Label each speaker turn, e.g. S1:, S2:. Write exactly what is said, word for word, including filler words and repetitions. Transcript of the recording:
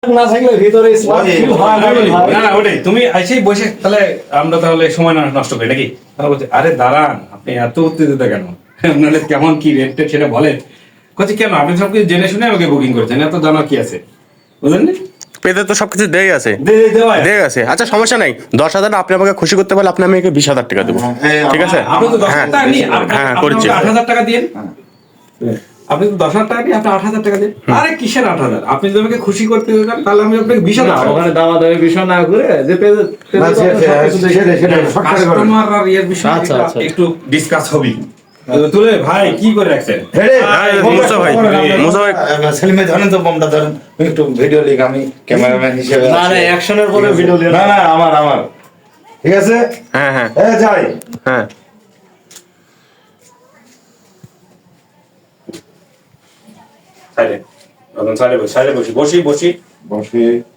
S1: না থাকলে ভিতরে স্মার্ট ফিল হয় না রে ভাই।
S2: না না ওটাই তুমি এসেই বসে তাহলে আমরা তাহলে সময় না নষ্ট করি নাকি? তারা বলছে আরে দাঁড়ান আপনি এত উত্তেজিত কেন? আপনাদের কেমন কি রেট টেট সেটা বলেন। বলছি কেন আপনি সব কিছু জেনে শুনে আমাকে বুকিং করেছেন, এত জানার কি আছে বুঝলেন নি?
S3: পেতে তো সবকিছু দেই আছে
S2: দে- দেওয়া আছে।
S3: দেই আছে আচ্ছা সমস্যা নাই, দশ হাজার আপনি আমাকে খুশি করতে পারলে আপনি আমাকে বিশ হাজার টাকা দেবো, ঠিক আছে?
S2: আপনি তো দশ
S3: হ্যাঁ
S2: হাজার টাকা নিয়ে আপনি
S3: হ্যাঁ
S2: আপনি
S3: করছি।
S2: আমাকে আট হাজার টাকা দিন। আপনি তো দশ হাজার টাকা নিয়ে আপনি আট হাজার টাকা দিন। আরে কিসের আট হাজার? আপনি যদি আমাকে খুশি করতে চান তাহলে আমি আপনাকে বিশ হাজার
S1: না,
S2: টাকা
S1: ওখানে দামাদামি বিষয় না করে যে পেজে
S4: না, সে- সে- সেটাই, সেটাই, শর্টকাটে করে।
S2: কাস্টমার আর ইয়ের বিষয়ে
S1: আচ্ছা,
S2: একটু-
S1: আচ্ছা।
S2: একটু ডিসকাস হবি। তুলে ভাই কি করে রাখছেন?
S4: হেরে,
S3: আরে,
S4: বোমটা
S3: মুসা ভাই,
S4: করেন আপনারা।
S3: মুসা ভাই।
S4: আহ, সেলিম ভাই ধরেন তো বোমটা ধরেন, আমি একটু ভিডিও লিখ, আমি ক্যামেরাম্যান হিসেবে
S1: না
S4: আছি।
S1: না অ্যাকশনের পরে ভিডিও লিয়ে
S4: না না আমার আমার ঠিক আছে।
S3: হ্যাঁ হ্যাঁ
S4: এ যাই
S3: হ্যাঁ
S2: সাইডে, সাইডে বসি, সাইডে বসি, বসি বসি
S4: বসে